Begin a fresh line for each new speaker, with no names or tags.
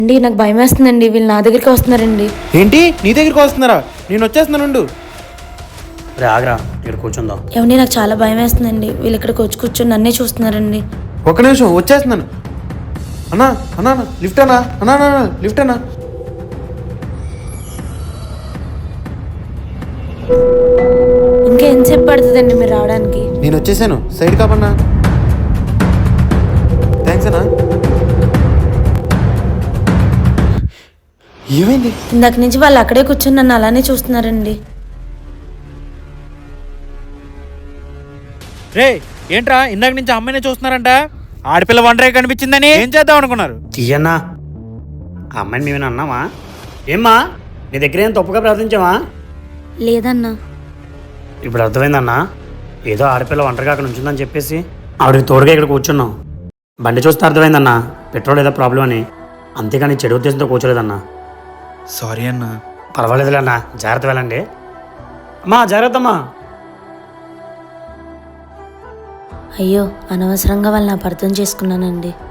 అండి నాకు భయం వేస్తుందండి, వీళ్ళు నా దగ్గరికి వస్తున్నారండి.
ఏంటి నీ దగ్గరికి వస్తున్నారా? నేను వచ్చేస్తున్నానుండు.
రే ఆగ్రా, ఇక్కడ కూర్చుందాం.
ఏమండి నాకు చాలా భయం వేస్తుందండి, వీళ్ళు ఇక్కడికి వచ్చి కూర్చొని నన్నే చూస్తున్నారండి.
ఒక్క నిమిషం వచ్చేస్తున్నాను. అన్నా అన్నా లిఫ్ట్ అన్నా, అన్నా అన్నా లిఫ్ట్ అన్నా.
ఇంకా ఎంతసేపు పడుతుందండి మీరు రావడానికి?
నేను వచ్చేసాను, సైడ్ కాపన్నా. థ్యాంక్స్ అన్నా. ఏమైంది?
ఇందాక నుంచి వాళ్ళు అక్కడే కూర్చొని నన్ను అలానే చూస్తున్నారండి.
రే ఏంట్రా ఇందాక నుంచి అమ్మాయిని చూస్తున్నారంట? ఆడపిల్ల ఒంటరి కనిపించిందని ఏం చేద్దాం అనుకున్నారు?
తీయన్నా, ఆ అమ్మాయిని మేమైనా అన్నామా? ఏమ్మా, నీ దగ్గర ఏం తప్పుగా ప్రార్థించావా?
లేదన్నా.
ఇప్పుడు అర్థమైందన్నా, ఏదో ఆడపిల్ల ఒంటరిగా అక్కడ ఉంచుందని చెప్పేసి ఆవిడకి తోడుగా ఇక్కడ కూర్చున్నాం. బండి చూస్తే అర్థమైందన్నా, పెట్రోల్ ఏదో ప్రాబ్లం అని. అంతేగాని చెడు ఉద్దేశంతో కూర్చోలేదన్నా.
సారీ అన్నా.
పర్వాలేదులే అన్నా, జాగ్రత్త వెళ్ళండి. అమ్మా జాగ్రత్త అమ్మా.
అయ్యో అనవసరంగా వాళ్ళని అపార్థం చేసుకున్నానండి.